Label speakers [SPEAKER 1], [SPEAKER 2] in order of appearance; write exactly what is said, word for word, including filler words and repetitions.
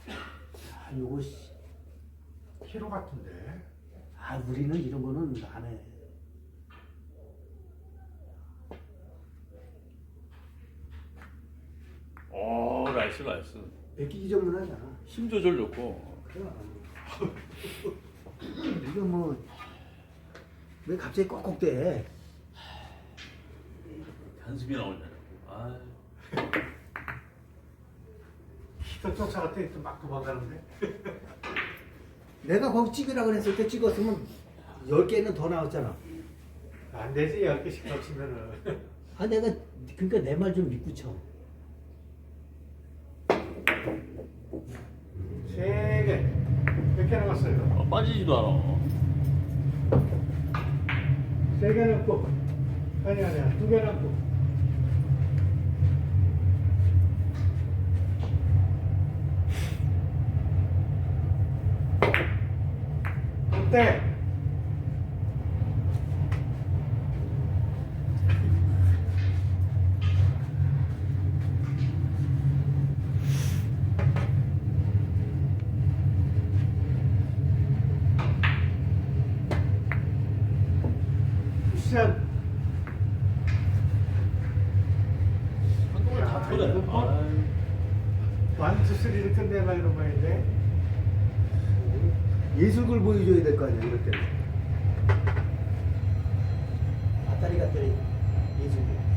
[SPEAKER 1] 아, 요거, 씨.
[SPEAKER 2] 키로 같은데.
[SPEAKER 1] 아, 우리는 이런 거는 안 해.
[SPEAKER 3] 오, 나이스, 나이스.
[SPEAKER 1] 베끼기 전문하잖아.
[SPEAKER 3] 힘 조절 좋고.
[SPEAKER 1] 그래. 이거 뭐, 왜 갑자기 꺽꺽대?
[SPEAKER 3] 한숨이 나오잖아. 아,
[SPEAKER 2] 또 쫓아갔더니 또막 도망가는데.
[SPEAKER 1] 내가 거기 찍으라고 했을 때 찍었으면 열 개는 더 나왔잖아.
[SPEAKER 2] 안 되지, 열 개씩 더 치면은.
[SPEAKER 1] 아, 내가, 그러니까 내 말 좀 믿고 쳐.
[SPEAKER 2] 세 개. 몇 개 남았어요?
[SPEAKER 3] 어, 빠지지도 않아.
[SPEAKER 2] 세 개 남고. 아니, 아니야. 두 개 남고. 어때? 쿠션.
[SPEAKER 3] 한동안 다 터네. 아유.
[SPEAKER 2] 완투 쓰리를 끝내라 이런 말인데.
[SPEAKER 1] 예술을 보여줘야 될 거 아니야, 이럴 때는. 아따리 갔더니 예술이.